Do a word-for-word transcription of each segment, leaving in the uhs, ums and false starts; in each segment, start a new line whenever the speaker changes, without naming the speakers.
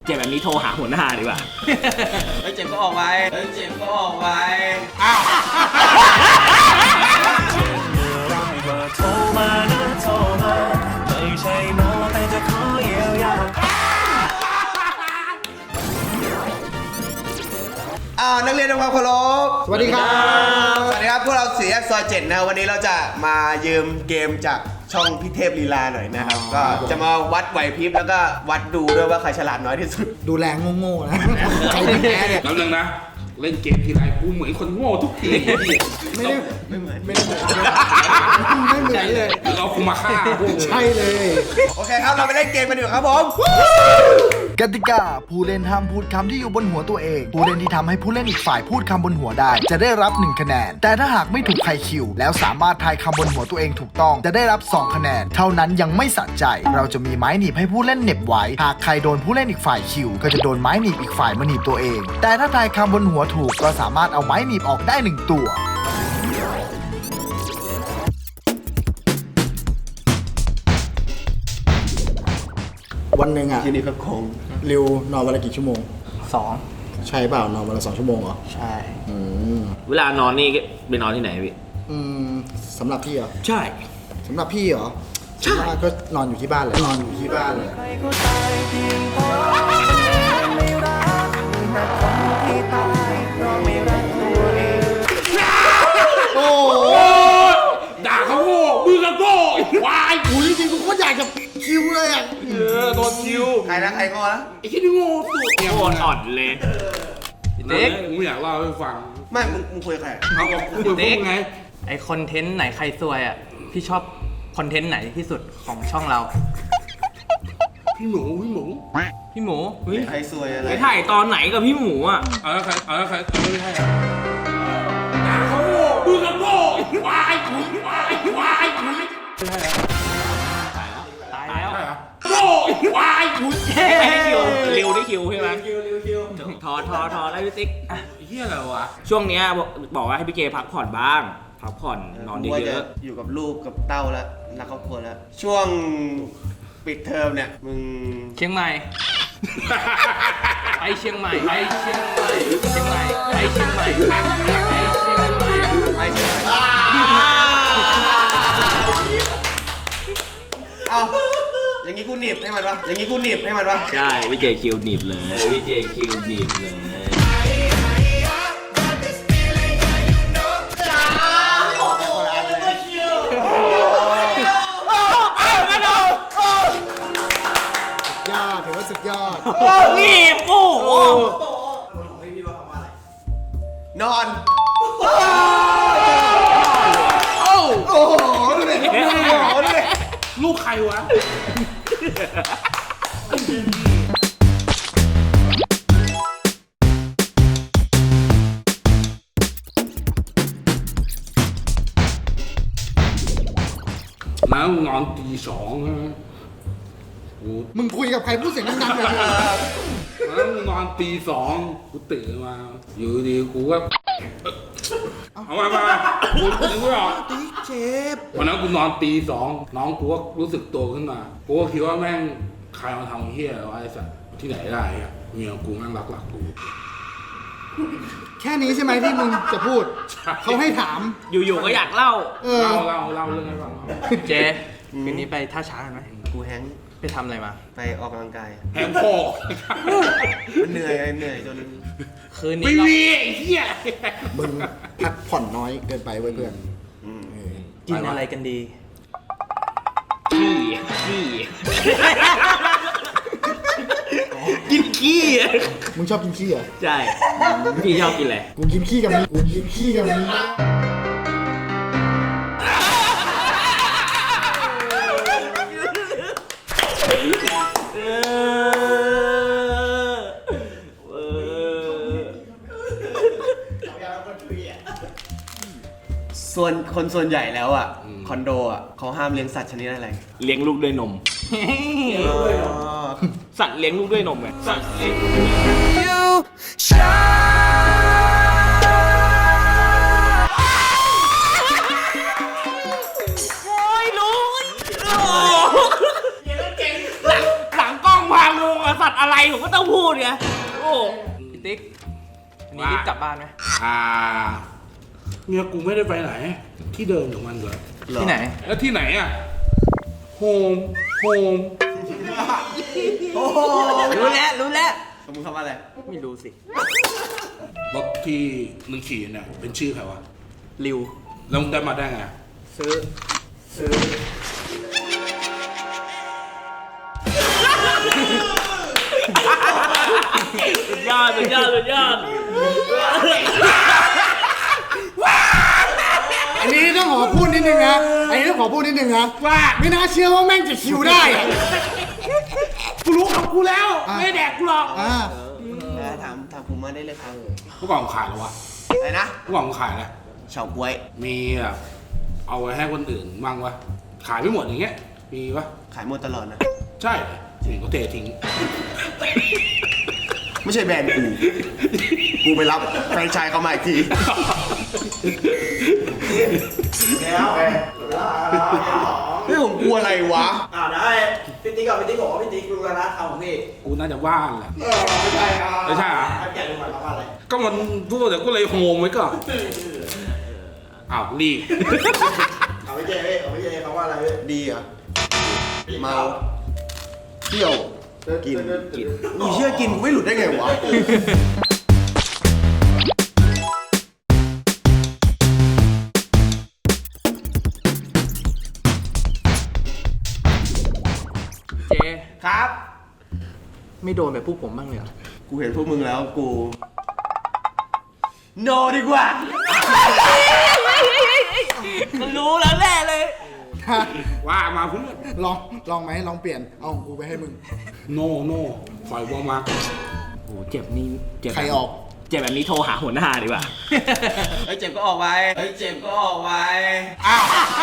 จ็บแบบนี้โทรหาหัวหน้าดีกว่า
เฮ้ยเจ็บก็ออกไปเฮ้ยเจ็บก็ออกไป
อ้าว
โทรมานะโทรมาไม่ใช่หมอแต่จะขอเยียวยา
อ้าวนักเรียนทำความเคารพ
สวัสดีครับ
สวัสดีครับพวกเราสี่แยกซอยเจ็ดนะวันนี้เราจะมายืมเกมจากช่องพี่เทพลีลาหน่อยนะครับก็จะมาวัดไหวพริบแล้วก็วัดดูด้วยว่าใครฉลาดน้อยที่สุด
ดูแรงโง่ๆนะใครเป็นแพ้เนี่ย
แล้วนึงนะเล่นเกมทีไรกูเหมือนคนโง่ทุกที
ไม่ได้ไม่เหมือนไม่ได้เหมือนไม่เหมือนเลย
เราคุมาฆ่า
ใช่เลย
โอเคครับเราไปเล่นเกมกันดีกว่าครับผม
กติกาผู้เล่นห้ามพูดคำที่อยู่บนหัวตัวเองผู้เล่นที่ทำให้ผู้เล่นอีกฝ่ายพูดคำบนหัวได้จะได้รับหนึ่งคะแนนแต่ถ้าหากไม่ถูกใครคิวแล้วสามารถทายคำบนหัวตัวเองถูกต้องจะได้รับสองคะแนนเท่านั้นยังไม่สะใจเราจะมีไม้หนีบให้ผู้เล่นเหน็บไว้หากใครโดนผู้เล่นอีกฝ่ายคิวก็จะโดนไม้หนีบอีกฝ่ายมาหนีบตัวเองแต่ถ้าทายคำบนหัวถูกก็สามารถเอาไม้หนีบออกได้หนึ่งตัว
วันหนึ่งอ่ะ
ที่นี่ก็คง
ริวนอนวันละกี่ชั่วโมง
สอง
ใช่เปล่านอนวันละสองชั่วโมงเหรอ
ใช่
อืม
เวลานอนนี่ไปนอนที่ไหนพี่
อืมสำหรับพี่เหรอ
ใช่
สำหรับพี่เหรอใช่ก็นอนอยู่ที่บ้านเลยนอนอยู่ที่บ้านเลย
โอ้ด่าเขาโง่มือก็โง่วาย
กูจริงๆกูก็อยากจะคิวเลยอ่ะ
เออโดนคิว
ใครนะใครก็นะ
ไอ้ที่นี่โง่สุด
เนี่ยอ่อนเลย
เด็กมึงอยากเล่าให้ฟัง
ไม่มึงมึงคุยใคร
เอาบอกคุยพูดไง
ไอคอนเทนต์ไหนใครซวยอ่ะพี่ชอบคอนเทนต์ไหนที่สุดของช่องเรา
พี่หมูพี่หมู
พี่หมู
ใครซวยอะไร
ไปถ่ายตอนไหนกับพี่หมูอ่ะ
เอาแล้วใครเอาแล้วใครไม่ใช่ด่าเขาโง่มือก็โง่วายคุยวายวายคุย
ตายแล้ว
โง่วายคุย
ให้คิวเร็วได้คิวใช่ไหมคิวเร็วคิวทอทอทอได้พี่ติ๊ก
เฮียอะไรวะ
ช่วงนี้บอกว่าให้พี่เกพักผ่อนบ้างพักผ่อนนอนเยอะ
ๆอยู่กับลูกกับเต้าแล้วรักครอบครัวแล้วช่วงปิดเทอมเนี่ยมึง
เชียงใหม่ไปเชียงใหม่ไปเชียงใหม่เชียงใหม่ไปเชียงใหม่ไปเชียงใหม่
ไปเชียงใหม่เอาอย่างนี้กูหนีบให้มันวะอย่างนี้กูหนีบให้มันวะ
ใช่พี่เจคิวหนีบเลยพี่เจคิวหนีบเลย
สุดยอด
นี่โอ้โห
นอน
โอ้
โอ้โหดูดิดูดิ
ลูกใครวะแล้วนอนตีสองใช่ไหม
มึงคุยกับใครพูดเสียงดังๆเลย
แล้วนอนตีสองกูตื่นมาอยู่ดีกูก็เอามามากูนึกไม่ออก
ตีเจ็บ
วันนั้นกูนอนตีสองน้องกูก็รู้สึกตัวขึ้นมากูก็คิดว่าแม่งใครมาทำเฮี้ยวะไอ้สัสที่ไหนได้อะเมียกูแม่งรักหลักกู
แค่นี้ใช่ไหมที่มึงจะพูดเขาให้ถาม
อยู่ๆก็อยากเล่า
เล่าเล่าเล่าเรื่องให้ฟัง
เจ๊คืนนี้ไปท่าช้างกันไหม
กูแฮง
ไปทำอะไรมา
ไปออกกำลังกาย
แฮงคอ
มันเหนื่อยเหนื่อยจน
คืนนี้
ไม่มีไอ้เหี้ย
มึงพักผ่อนน้อยเกินไปเว้ยเพื่อน
กินอะไรกันดี
ขี้ขี้กินขี้
มึงชอบกินขี้เหรอ
ใช่พี่ชอบกินอะไร
กูกินขี้กับมึงกูกินขี้กับมึง
ส่วนคนส่วนใหญ่แล้วอ่ะคอนโดอ่ะเขาห้ามเลี้ยงสัตว์ชนิดอะไร
เลี้ยงลูกด้วยนมสัตว์เลี้ยงลูกด้วยนมไงสัตว์เลี้ยงโอ้ยลุงหลังหลังกล้องพังลุงสัตว์อะไรผมก็ต้องพูดไงโอ้
พี่ติ๊กอันนี้รีบกลับบ้านไหม
อ่าเมียกูไม่ได้ไปไหน ที่เดิมของมันเลย
ที่ไหน
แล้วที่ไหนอ่ะโฮมโฮม
รู้แล้วรู้แล้ว
มึงทำอะไร
ไม่รู้สิ
รถที่มึงขี่เนี่ยเป็นชื่อใครวะ
ริว
แล้วมึงได้มาได้ไง
ซื้อ ซื้อ
สุดยอดสุดยอดสุดยอด
อันนี้ต้องขอพูดนิดนึงนะอันนี้ต้องขอพูดนิดนึงนะว่าไม่น่าเชื่อว่าแม่งจะคิวได้อะ
กูรู้ของกูแล้ว ไม่แดกกูหรอก
อ่า
ถามถามผมมาได้เลยครับ
ผู้กองขายแล้ววะ
อะไรนะ
ผู้กองขายแล้ว
เฉาก๊วย
มีแบบเอาไว้ให้คนอื่นบ้างวะขายไม่หมดอย่างเงี้ยมีวะ
ขายหมดตลอดนะ
ใช่ถึงก็เททิ้ง
ไม่ใช่แบรนด์กู กูไปรับแฟรนไชส์เขามาอีกที
แล้ว
เฮ้ยผมกลัวอะไรวะ
อ่าได้พี่ติ๊กกับพี่ติ๊กบอกว่าพี่ติ๊กรู้แล้วนะคำของพี่
กูน่าจะว่างแหละ
เออไม่ใช่ครับ
ไม่ใช่เหรอ
แกรู้ไหมครับว่าอะไร
ก็มันพูดเดี๋ยวกูเลยโฮมไว้ก่อนอ้าวรีบ
เอาไม่เจพี่เอาไม่เจเขาว่าอะไรพี่
ดีเหรอ เมา เที่ยว กิน กินมึงเชื่อกินกูไม่หลุดได้ไงวะ
เจ
ครับ
ไม่โดนแบบพวกผมบ้างเลยเหรอ
กูเห็นพวกมึงแล้วกู โนดีกว่า
มันรู้แล้วแน่เลย
ว่ามาเพื่อน
ลองลองไหมลองเปลี่ยนเอาของกูไปให้มึง
โน่โน่ปล่อยวอมา
โอ้เจ็บนี่เจ็บ
ใครออก
เจ็บแบบนี้โทรหาหัวหน้าดีกว่า
เฮ้ยเจ็บก็ออกไป เฮ้ยเจ็บก็ออกไป
ได้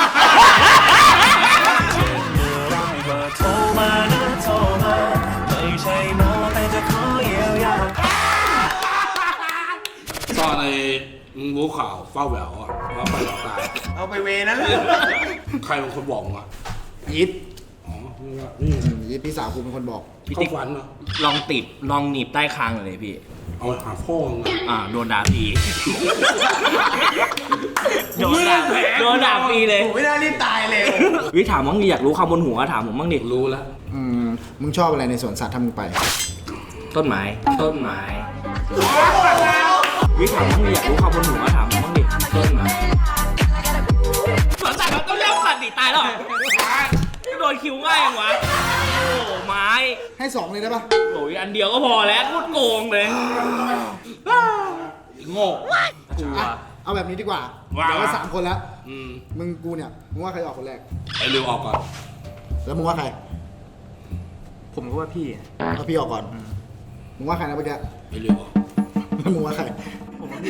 เบอร์โทรมานะโทรมาไม่ใช่หมอแต่จะขอเยียวยา
ตอนในมึงรู้ข่าวเฝ้าแหววอ่ะว่าไปหลอกตาย
เอาไปเวนั้น
ใครเป็นคนบอกมึงอ่ะ
ยิด
อ๋อนี่ว่านี่
ยิดพี่สาวกูเป็นคนบอก
พี่
เข้า
ติ๊ก
ฝันเหรอ
ลองติดลองหนีบใต้คางเลยพี่
เอาไปหาพ่อมึงอ่ะ
อ่าโดนด่าฟรีโดนด่าโดนด่าฟรีเลย
ผมไม่น่ารีบตายเลย
วิถามมั้งดิอยากรู้ความบนหัวถามผมบ้างดิ
รู้แล้ว
อืมมึงชอบอะไรในสวนสัตว์ถ้ามึงไป
ต้นไม้ต้นไม้วิถามมั้งดิอยากรู้ความบนหัวถามผมบ้างดิต้นไม้สวนสัตว์มันต้องเลี้ยงสัตว์ดิตายแล้วเหรอโดนคิวง่ายยังวะโอ้ไม้
ให้สองเลยได้ปะ
โอ้ยอันเดียวก็พอแล้วโคตรโกงเลย
โง่
กลัว
อ่ะเอาแบบนี้ดีกว่า
ว่า
เดี๋ยวว่าสามคนแล้ว
อืม
มึงกูเนี่ยมึงว่าใครออกคนแรก
ไอ้เร็วออกก่อน
แล้วมึงว่าใคร
ผมก็ว่าพี่อะ
เอาพี่ออกก่อนมึงว่าใครนะเมื่อกี้
ไอ้เร็วออก
แล้วมึงว่าใคร
ผมว่าพี่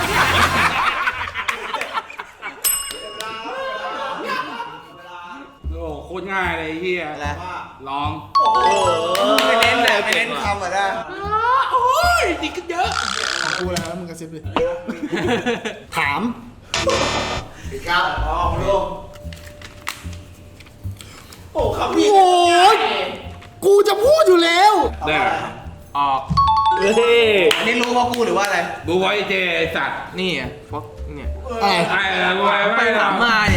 โอ้โคตรง่ายเลยไอ้เฮีย
อะไร
ลอง
ไปเน้นเลยไปเน้นคำอ่ะนะ
โอ้ยดีกันเยอะ
ของกูแล้วแล้วมึงกระซิบดิถาม
ครับอ๋อลูกโอ้คำพี่
โอ้ยกูจะพูดอยู่แล้ว
ได้
ออก
เฮ้ย
อันนี้รู้ว่ากูหรือว่าอะไร
ดูไว้เจไอ้สัตว์
นี่อ่ะฟอกเนี่ย
อะไร
ไอ้ดูไว้
ไปถามมาเนี่ย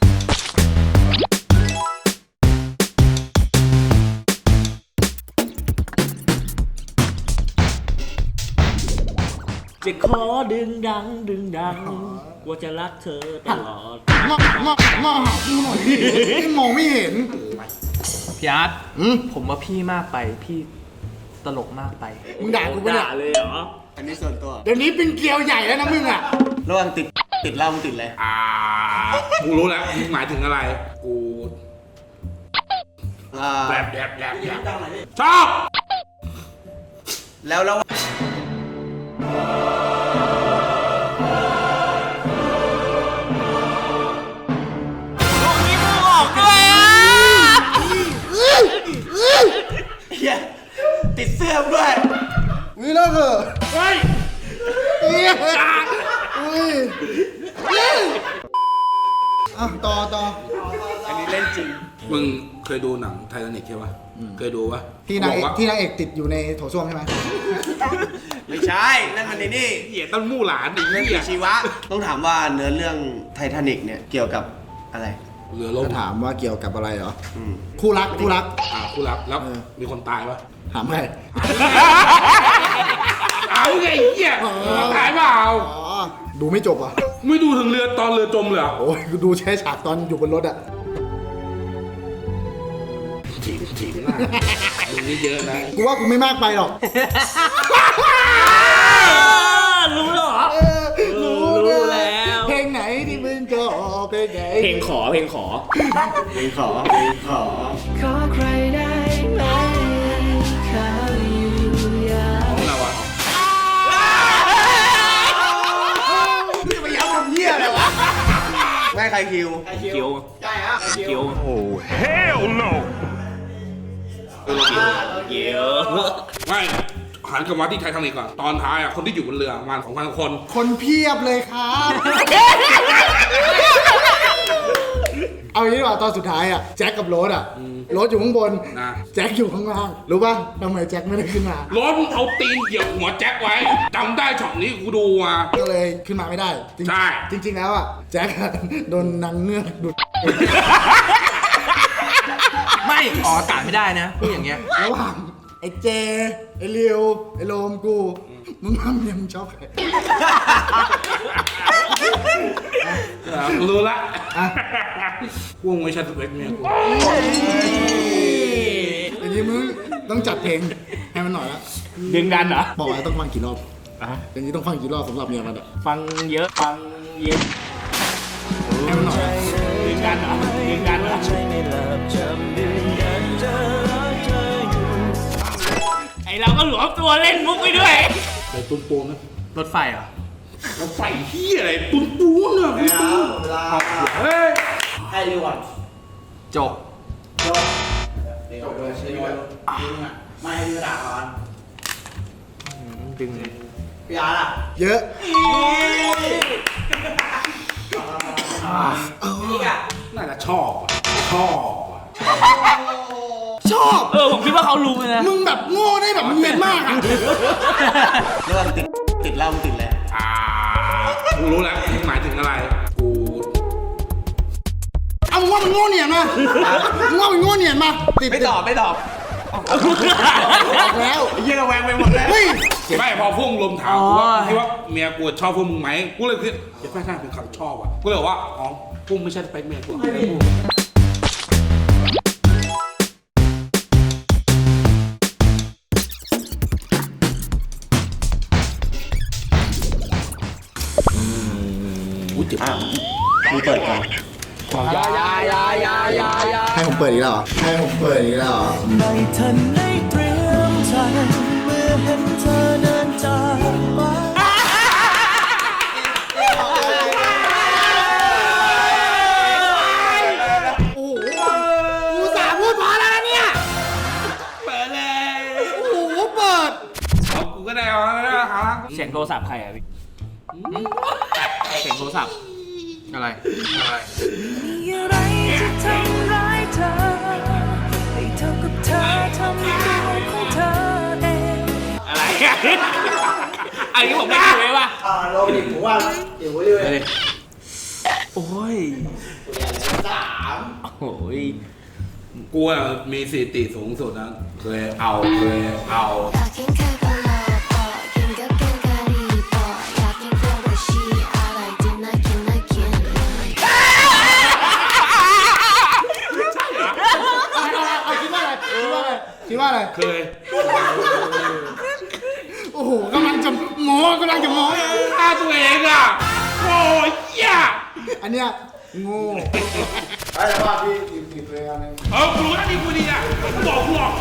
จะขอดึงดังดึงดังว่าจะรักเธอตลอด
มามามาหากูหน่อยดิพี่มองไม่เห็น
พี่อาร์ต
อืม
ผมว่าพี่มากไป พี่ตลกมากไป
มึงด่ากูปะเนี่ย
ด่าเลยเหรอ
อันนี้ส่วนตัว
เดี๋ยวนี้เป็นเกลียวใหญ่แล้วนะมึงอ่ะ
ระหว่างติดติดเหล้ามึงติดอะไร
อ่ากูรู้แล้วมึงหมายถึงอะไร กู
อ่า
แบบแบบแบบแบบ
ดังไหนพี่
ชอบ
แล้วแล้ว
มีมือออกด้วยอ่ะ
เฮียติดเสื้อมึงด้วย
นี่เลิกเถอะ
เฮ้ย
เฮ้ยเฮ้ยเฮ้ยอ่ะต่อต่อ
อันนี้เล่นจริง
มึงเคยดูหนังไททานิคใช่ปะเคยดูปะ
ที่นางเอก
บว่
ที่นางเอกติดอยู่ในโถส้วมใช่ไหม
ไม่ใช่ นั่นมันในนี่
เหี้ยต้นมู่หลานอีก
เรื่อง
เหี้ย
ชีวะ ต้องถามว่าเนื้อเรื่องไททานิกเนี่ยเกี่ยวกับอะไร
เรือล่ม
จะถามว่าเกี่ยวกับอะไรเหรอ
อืม
คู่รักคู่รัก
อ่าคู่รักแล้ว
เออ
มีคนตายปะ
ถามใคร
เอาไงไอ้เหี้ยตายเปล่า
อ๋อดูไม่จบอ่ะ
ไม่ดูถึงเรือตอนเรือจมเลยเหรอ
โอ้ยกูดูแค่ฉากตอนอยู่บนรถอ่ะ
ถีบถีบหน้ามึงนี่เยอะนะ
กูว่ากูไม่มากไปหรอก
รู้เหรอ
เออรู้
รู้แล้ว
เพลงไหนที่มึงชอบเพลงไหน
เพลงขอเพลงขอ
เพลงขอเพลงขอ
ของเราอ่ะ
นี่ไปย้ำคำเหี้ยอะไรวะแม่ใครคิว
คิว
ใช่ฮะ
คิว
Hell no
คิว
ไม่หันกลับมาที่ไททานิกก่อนตอนท้ายอ่ะคนที่อยู่บนเรือประมาณสองพันคน
คนเพียบเลยครับ เอาอย่างนี้ดีกว่าตอนสุดท้ายอ่ะแจ็คกับโรสอ่ะโรสอยู่ข้างบน
นะ
แจ็คอยู่ข้างล่างรู้ป่ะทำไมแจ็คไม่ได้ขึ้นมา
รถเอาตีนเหยียบหัวแจ็คไว้จำได้ช็อตนี้กูดูมา
ก็เลยขึ้นมาไม่ได้จริง
ใช่
จริง ๆ แล้วอ่ะแจ็คอะโดนนางเงือกดูด
ไม่ออกอากาศไม่ได้นะพูดอย่างเงี้ย
ระหว่างไอ้เจ ไอ้เลียวไอ้โลมกู มึงทำยังชอบใคร
เออกูรู้ละ
อ่ะ
กูไม่ใช่สเปคเมียกู
อย่างนี้มึงต้องจัดเพลงให้มันหน่อยละ
ดึงดันเหรอ
บอกว่าต้องฟังกี่รอบ
อ่ะ
อย่างนี้ต้องฟังกี่รอบสำหรับเมียมันอ่ะ
ฟังเยอะฟังเย็น
ให้มันหน่อย
ดึงดันเหรอดึงดันเหรอไอเราก็หลวมตัวเล่นมุกไปด้วย
แต่ตุ้นปูนนะ
รถไฟเหรอ
เราใส่เฮียอะไรตุ้นปูนอ่ะตุ้นปูน
เวลา
เฮ้ย
ให้รีวัน
จบ
จบเดี๋ยวเลยรีวันดึงอ่ะไม่ให้พี่ด่าก่อน
ดึง
พี่อาร์ตอ่ะ
เยอะ
นี่อ่ะ
น่าจะชอบอ่ะชอบอ่ะ
ชอบ
เออผมคิดว่าเขารู้นะ
มึงแบบโง่ได้แบบเนียนมากอ่ะ
เรื่องติดติดเหล้ามึงติดแล้ว
อ่ากูรู้แล้วมึงหมายถึงอะไรกู
เอามึงว่ามันโง่เนียนมามึงว่ามันโง่เนียนมาติด
ไม่ตอบไม่ตอบ
บอกแล้ว
ไอ้เหี้ยระแวงไปหมดแล้ว
เฮ้ย
ไม่พอพวกมึงลมถามกูว่า
อ๋อ
คิดว่าเมียกูชอบพวกมึงไหมกูเลยคิดเดี๋ยวไม่ใช่เป็นคำชอบอ่ะกูเลยบอกว่าอ๋อพวกมึงไม่ใช่สเปคเมียกูไม่พูด
อุ้ยเจ็บมากมีเปิดก่อน
ให้ผมเปิดอีกแล้วเหรอให้ผมเปิดอีกแล้วเหรอ
ไม่ทันได้เตรียมใจเมื่อเห็นเธอเดินจากไป
โอ้โหกูสาพูดพอแล้วนะเนี่ย
เปิดเลย
โอ้โหเปิด
เอากูก็ได้เอาแล้วนะฮะ
เสียงโทรศัพท์ใครอะพี่เสียงโทรศัพท์
อะไร
อะไร
มีอะไรที่ทำร้ายเธอให้เท่ากับเธอทำตัวของเธอเอง
อะไรอะอันนี้ผมไม่รู้เลยว่ะ
อ่าโรบินผมว่าเดี๋ยวเรื่อย
โอ้ย
สาม
โอ้ย
กูอะมีสถิติสูงสุดนะเคยเอาเคยเอา
อยากกินแค่กะลาปอกินกับแกงกะหรี่ปออยากกินกล้วยบวชชีอะไรกินน่ากินน่ากิน
คิดว่าอะไรคิดว่าอะไรคิดว่าอะไร
เคย
โอ้โหกำลังจะโม้กำลังจะโม้
ฆ่าตัวเองอ่ะโอ้ยเหี้ย
อันเนี้ยโง่ไอ้ว่าพี่ทีมทีมเลยอันนึง
เออกูรู้นะนี่กูดีอ่ะกูบอกกูหรอก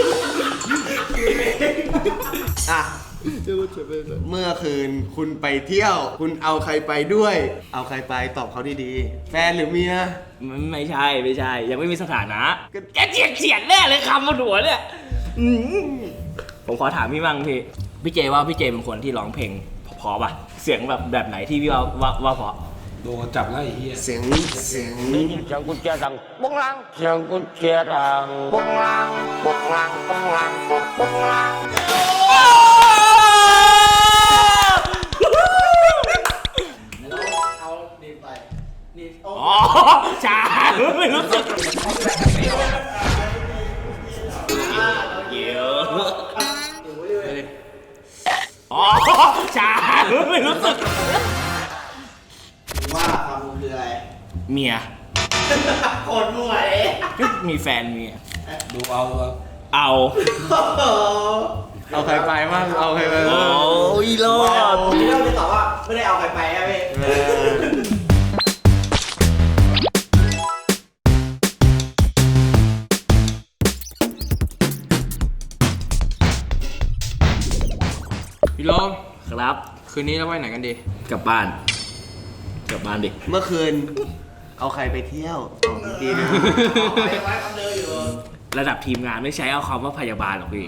อ่ะเมื่อคืนคุณไปเที่ยว คุณเอาใครไปด้วย เอาใครไปตอบเขาดีๆ แฟนหรือเมีย
มันไม่ใช่ไม่ใช่ ยังไม่มีสถานะแกเฉียดเฉียดแน่เลยคำบนหัวเนี่ยอืมผมขอถามพี่มั่งพี่พี่เจว่าพี่เจเป็นคนที่ร้องเพลงเพราะป่ะเสียงแบบแบบไหนที่พี่ว่าว่าว่าเพราะ
โดนจับแล้วไอ้เหี้ย
เสียงเสียง
Chẳng có chia rằng bông lăng Chẳng có chia rằng bông lăng Bông lăng bông lăng bông lăng
เอาดีไปนี่โอ้
อ๋อชาไม่รู้สึกเกี่ยวอ๋อชาไม่รู้สึก
ว่าความรู้คืออะไร
เมีย
โคตรมั่วเลย
มีแฟนเมีย
ดูเอาดูเอา
เอา
เอาใครไปบ้างเอาใครไป
โอ้ยรอด
พี่เล่าจะตอบว่าไม่ได้เอาใครไปอะพี่
พี่โลม
ครับ
คืนนี้เราไปไหนกันดี
กลับบ้าน กลับบ้านดิ
เมื่อคืนเอาใครไปเที่ยวดีนะ
ไปไว้คำเดิมอยู่
ระดับทีมงานไม่ใช้เอาคำว่าพยาบาลหรอกพี่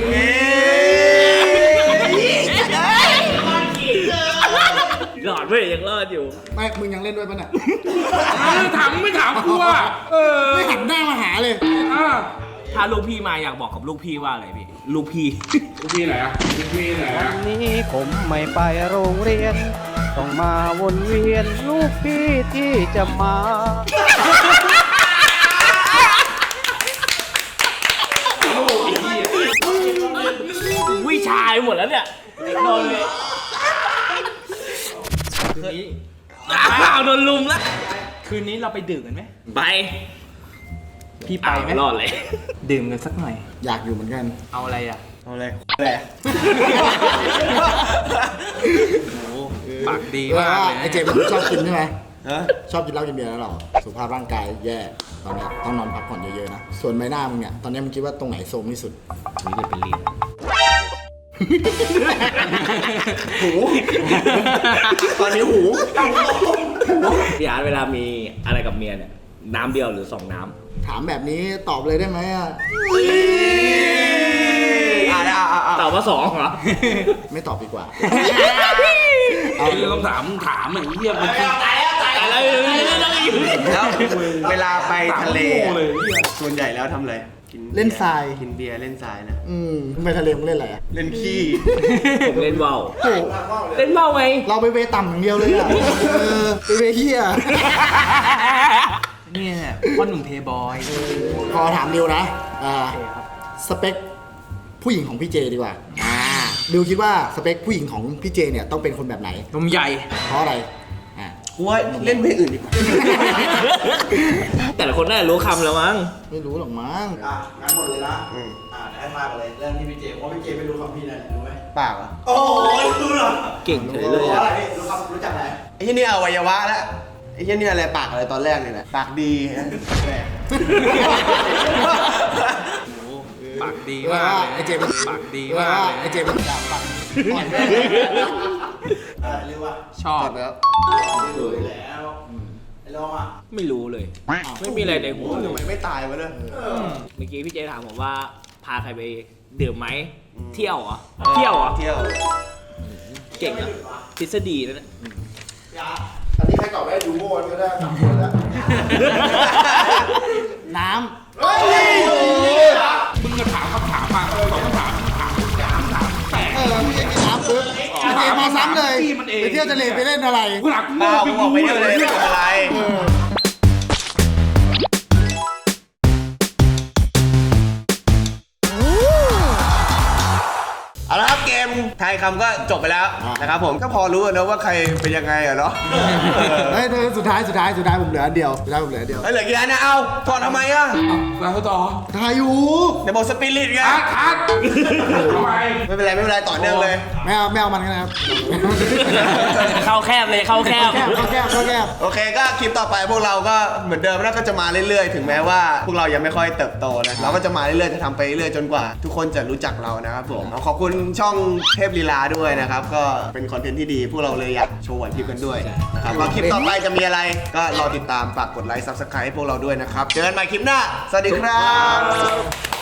รอดเว้ยยังรอดอยู่
ไม่มึงยังเล่นด้วยปะเนี่ย
ถามไม่ถามกูอ่ะเออ
ไม่หันหน้ามาหาเลย
อ่ะ
ถ้าลูกพี่มาอยากบอกกับลูกพี่ว่าอะไรพี่ ลูกพี่
ลูกพี่ไหนอ่ะลูกพี่ไหนอ่ะ
นี้ผมไม่ไปโรงเรียน ต้องมาวนเวียนลูกพี่ที่จะมา
วิชาไปหมดแล้วเนี่ยโดนเลย
คืนนี้
อ้าวโดนลุมแล้ว
คืนนี้เราไปดื่มกันไหม
ไป
พี่ไปไหม
อ้าวรอดเลย
ดื่มกันสักหน่อย
อยากอยู่เหมือนกัน
เอาอะไรอ่ะ
เอาเลยแหละ
ปากดี
เออ
มากเลยนะ
ไอเจมส์ชอบกินใช่ไหม
ฮะ
ชอบกินเหล้ากินเบียร์แล้วหรอสุขภาพร่างกายแย่ตอนเนี้ยต้องนอนพักผ่อนเยอะๆนะส่วนใบหน้ามึงเนี่ยตอนเนี้ยมึงคิดว่าตรงไหนโทรมที่สุด
นี่เลยเป็นลิ้น
หู
ตอนนี้หู
พี่อาร์ตเวลามีอะไรกับเมียเนี่ย น้ำเดียวหรือสองน้
ถามแบบนี้ตอบเลยได้ไหมอ่ะ
อ่าอ่าอ่า
ำตอบว่าสองเหรอ
ไม่ตอบดีกว่า
ไอ้เรื่องคำถามมึงถามไอ้เหี้ยมัน
ตายแล้วตาย
แต่
แล้ว
แล้ว
แล้วเวลาไปทะเล
โง่เลย
ส่วนใหญ่แล้วทำอะไรกิ
เล่นทราย
กินเบียร์เล่นทรายนะ
อืมมึงไปทะเลมึงเล่นอะไรอ่ะ
เล่นขี้
ผมเล่นว่าว
โอ้
เล่นว่าวไง
เราไปเวต่ำอย่างเดียวเลยอ่ะเออไปเวเฮีย
เนี่ยพ่อหนุ่มเพย์บอย
ขอถามดิวนะอ่าสเปคผู้หญิงของพี่เจดีกว่าอ่าดิวคิดว่าสเปคผู้หญิงของพี่เจเนี่ยต้องเป็นคนแบบไหน
นมใหญ่
เพราะอะไรอ่า
กูว่าเล่นเพลงอื่นดีกว่า
แต่ละคนน่าจะรู้คำแล้วมั้ง
ไม่รู้หรอกมั้ง
อ่ะงั้นหมดเลยนะ
อืม
อ่ะให้มากันเลยเริ่มที่พี่เจเพราะพี่เจไม่รู้คำพี่นะรู้ไหม
ปากเหรอ่ะ
โอ้โหรู้เหรอ
เก่งเฉยเลย
รู้
อะ
อะไรพี่รู้คำรู้จักอะไร
ไอ้ที่นี่อวัยวะแล้วไอ้ที่นี่อะไรปากอะไรตอนแรกเนี่ยแหละปากดีนะแรก
ปากดี
ว่าม
ากเลย
ไอเจเป็น
ปากดี
ว่าม
ากเลย
ไอเจเป็นดาบปักปล่อยแม่ง
อะไรเรียกว่า
ชอบ
แล้ว
รู้อยู่แล้วไอ้ลองอ่ะ
ไม่รู้เลย ไม่มีอะไรในหัวเล
ทำไม
ย
ไม่ตายวะเนี่ย
เมื่อกี้พี่เจถามผมว่าพาใครไปดื่มไหม เที่ยวเหรอ เที่ยวเหรอ
เที่ยว
เก่งอะทฤษฎีแล้วนะ
ยา
อันนี้ใครตอบได้ดูโม่ก็ได้สามคนแล้ว น้
เฮ้ย
มึงก็ถามคำถามมาสองคำถามถามถามถามแตก
ำเออพี่เจน้ำปุ๊บพี่เจมาซ้ำเลย
จี้มันเอง
ไปเที่ยวทะเลไปเล่นอะไร
กูหลัก
เปล่ากูบอกไปเที่ยวเลยไม่เป็นไร
เออ
เอาละครับเกมทายคำก็จบไปแล้วนะครับผมก็พอรู้นะว่าใครเป็นยังไงอะเนาะ
เฮ้ยสุดท้ายสุดท้ายสุดท้ายผมเหลืออันเดียวสุดท้ายผมเหลืออันเดียว
เฮ้ยเหลือกี่อันนะเอาถอดทำไมอะ
แล้วต่อ
ทายอยู่
เดี๋ยวบอกสปิริตไง
ทัดทัดทำไม
ไม่เป็นไรไม่เป็นไรต่อเนื่องเลย
ไม่เอาไม่เอามันกันนะครับ
เข้าแคบเลยเข้าแคบ
แคบเข้าแคบเข้าแคบ
โอเคก็คลิปต่อไปพวกเราก็เหมือนเดิมนะก็จะมาเรื่อยๆ ถึงแม้ว่าพวกเรายังไม่ค่อยเติบโตนะเราก็จะมาเรื่อยๆจะทำไปเรื่อยๆจนกว่า ทุกคนจะรู้จักเรานะครับผมขอบคุณช่องเทพลีลาด้วยนะครับก็เป็นคอนเทนต์ที่ดีพวกเราเลยอยากโชว์ไหวพริบกันด้วยนะครับว่าคลิปต่อไปจะมีอะไรก็รอติดตามฝากกดไลค์ซับสไครต์ให้พวกเราด้วยนะครับเจอกันใหม่คลิปหน้าสวัสดีครับ